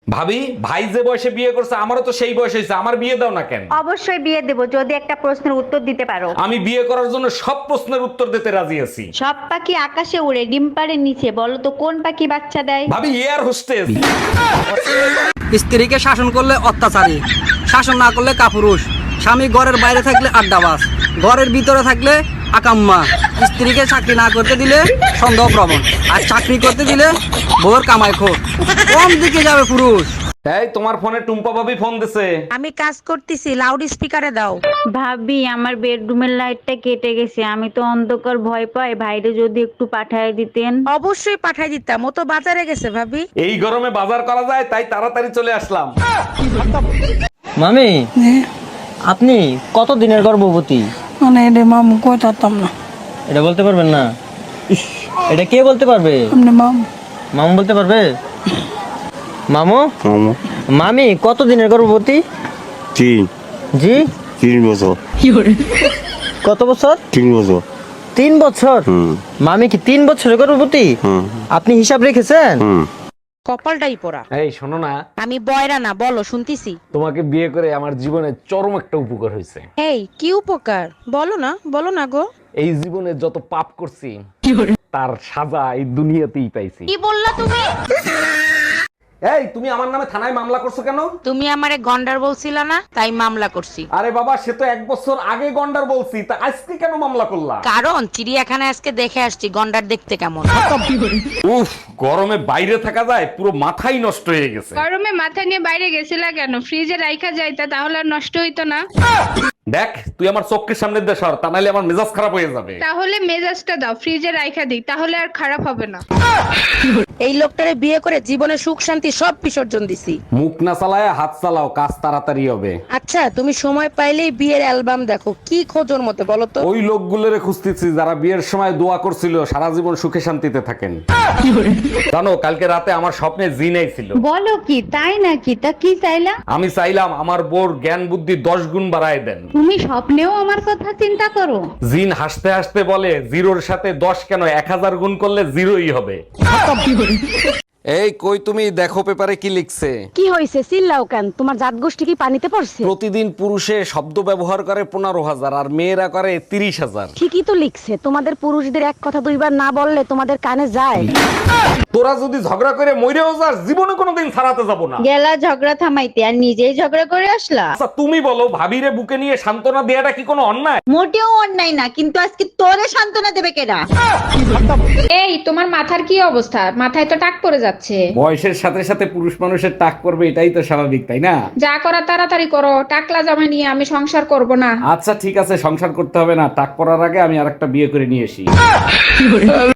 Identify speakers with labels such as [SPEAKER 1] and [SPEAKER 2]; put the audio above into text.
[SPEAKER 1] ভাবি, ভাই যে বয়সে বিয়ে করছে আমারও তো সেই বয়স হয়েছে, আমার বিয়ে দাও না কেন?
[SPEAKER 2] অবশ্যই বিয়ে দেব যদি একটা প্রশ্নের উত্তর দিতে পারো।
[SPEAKER 1] আমি বিয়ে করার জন্য সব প্রশ্নের উত্তর দিতে রাজি আছি।
[SPEAKER 2] সব পাখি আকাশে উড়ে, ডিম পাড়ে নিচে, বলো তো কোন পাখি বাচ্চা দেয়?
[SPEAKER 1] ভাবি, এয়ার হোস্টেস।
[SPEAKER 3] স্ত্রীকে শাসন করলে অত্যাচারী, শাসন না করলে কাপুরুষ, স্বামী ঘরের বাইরে থাকলে আড্ডাবাজ, ঘরের ভিতরে থাকলে আকাম্মা, স্ত্রীকে চাকরি না করতে দিলে সন্দেহপ্রবণ, আর চাকরি করতে দিলে বউর কামাই খোর। কোন দিকে যাবে পুরুষ?
[SPEAKER 1] এই তোমার ফোনে টুম্পা ভাবি ফোন দিছে।
[SPEAKER 4] আমি কাজ করতেছি, লাউড স্পিকারে দাও।
[SPEAKER 2] ভাবি, আমার বেডরুমের লাইটটা কেটে গেছে, আমি তো অন্ধকার ভয় পাই, ভাইরে যদি একটু পাঠায় দিতেন।
[SPEAKER 4] অবশ্যই পাঠাই দিতাম, ও তো বাজারে গেছে ভাবি।
[SPEAKER 1] এই গরমে বাজার করা যায় তাই তাড়াতাড়ি চলে আসলাম।
[SPEAKER 5] মামি, আপনি কত দিনের গর্ভবতী?
[SPEAKER 6] মানে এটা মামু কই থাকতাম না।
[SPEAKER 5] এটা বলতে পারবেন না? ইস, এটা কে বলতে পারবে?
[SPEAKER 6] আপনি মামু
[SPEAKER 5] মামু বলতে পারবে? মামু, মামি কত দিনের গর্ভবতী?
[SPEAKER 7] তিন
[SPEAKER 5] জি,
[SPEAKER 7] 3 বছর।
[SPEAKER 5] কত বছর?
[SPEAKER 7] 3 বছর।
[SPEAKER 5] 3 বছর?
[SPEAKER 7] হুম
[SPEAKER 5] মামি কি 3 বছরের গর্ভবতী?
[SPEAKER 7] হুম
[SPEAKER 5] আপনি হিসাব রেখেছেন?
[SPEAKER 7] হুম।
[SPEAKER 4] কপালটাই পোড়া।
[SPEAKER 1] এই শোনো না,
[SPEAKER 4] আমি বয়রা না, বলো শুনতিছি।
[SPEAKER 1] তোমাকে বিয়ে করে আমার জীবনে চরম একটা উপকার হয়েছে।
[SPEAKER 4] এই কি উপকার? বলো না গো।
[SPEAKER 1] এই জীবনে যত পাপ করছি তার সাজা এই দুনিয়াতেই পাইছি।
[SPEAKER 4] কি বললা তুমি?
[SPEAKER 1] এই তুমি আমার নামে থানায় মামলা করছো কেন?
[SPEAKER 4] তুমি আমারে গন্ডার বলছিলা না, তাই মামলা করছি।
[SPEAKER 1] আরে বাবা, সে তো 1 বছর আগে গন্ডার বলছি, তা আজকে কেন মামলা করলা?
[SPEAKER 4] কারণ চিড়িয়াখানায় আজকে দেখে আসছি গন্ডার দেখতে কেমন।
[SPEAKER 1] উফ, গরমে বাইরে থাকা যায়, পুরো মাথাই নষ্ট হয়ে গেছে।
[SPEAKER 8] গরমে মাথা নিয়ে বাইরে গেছিলা কেন? ফ্রিজে রাইখা যাইতা, তাহলে আর নষ্ট হইতো না।
[SPEAKER 1] দেখ, তুই আমার চোখের সামনে দিয়ে সর, তা নাহলে আমার মেজাজ খারাপ হয়ে যাবে।
[SPEAKER 8] তাহলে মেজাজটা দাও, ফ্রিজে রাইখা দিই, তাহলে আর খারাপ হবে না।
[SPEAKER 4] এই লোকটারে বিয়ে করে জীবনে সুখ শান্তি সব বিসর্জন দিছি।
[SPEAKER 1] মুখ না চালায় হাত চালাও, কাজ তাড়াতাড়ি হবে।
[SPEAKER 4] আচ্ছা, তুমি সময় পাইলেই বিয়ের অ্যালবাম দেখো, কি খোঁজোর মতে বলো তো?
[SPEAKER 1] ওই লোকগুলোরে খুঁজতেছি যারা বিয়ের সময় দোয়া করছিল সারা জীবন সুখে শান্তিতে থাকেন। জানো, কালকে রাতে আমার স্বপ্নে জিন আইছিল।
[SPEAKER 2] বলো কি, তাই নাকি? তা কি চাইলা?
[SPEAKER 1] আমি চাইলাম আমার বোর জ্ঞান বুদ্ধি 10 গুণ বাড়ায় দেন।
[SPEAKER 2] তুমি স্বপ্নেও আমার কথা চিন্তা করো?
[SPEAKER 1] জিন হাসতে হাসতে বলে, 0-র সাথে 10 কেন, 1000 গুণ করলে 0ই হবে। এই কই তুমি, দেখো পেপারে কি লিখছে।
[SPEAKER 9] কি হয়েছে? চিল্লাও কেন? তোমার জাত গোষ্ঠী কি পানিতে পড়ছে?
[SPEAKER 1] প্রতিদিন পুরুষে শব্দ ব্যবহার করে 15,000 আর মেয়েরা করে 30,000।
[SPEAKER 9] ঠিকই তো লিখছে। তোমাদের পুরুষদের এক কথা দুইবার না বললে তোমাদের কানে যায়।
[SPEAKER 1] তোরা যদি ঝগড়া করে মইরেও যাস, জীবনে কোনোদিন ছাড়াতে যাব না।
[SPEAKER 2] গেলা ঝগড়া থামাইতে, আর নিজেই ঝগড়া করে আসলা।
[SPEAKER 1] আচ্ছা তুমি বলো, ভাবিরে বুকে নিয়ে সান্ত্বনা দেয়াটা কি কোনো অন্যায়?
[SPEAKER 2] মোটেও অন্যায় না, কিন্তু আজকে তোরে সান্ত্বনা দেবে কেডা?
[SPEAKER 8] এই তোমার মাথার কি অবস্থা? মাথায় তো টাক পড়ে যাচ্ছে।
[SPEAKER 1] বয়সের সাথে সাথে পুরুষ মানুষের টাক করবে, এটাই তো স্বাভাবিক, তাই না?
[SPEAKER 8] যা করা তাড়াতাড়ি করো, টাকলা জামা নিয়ে আমি সংসার করব না।
[SPEAKER 1] আচ্ছা ঠিক আছে, সংসার করতে হবে না, টাক পড়ার আগে আমি আরেকটা বিয়ে করে নিয়ে আসি।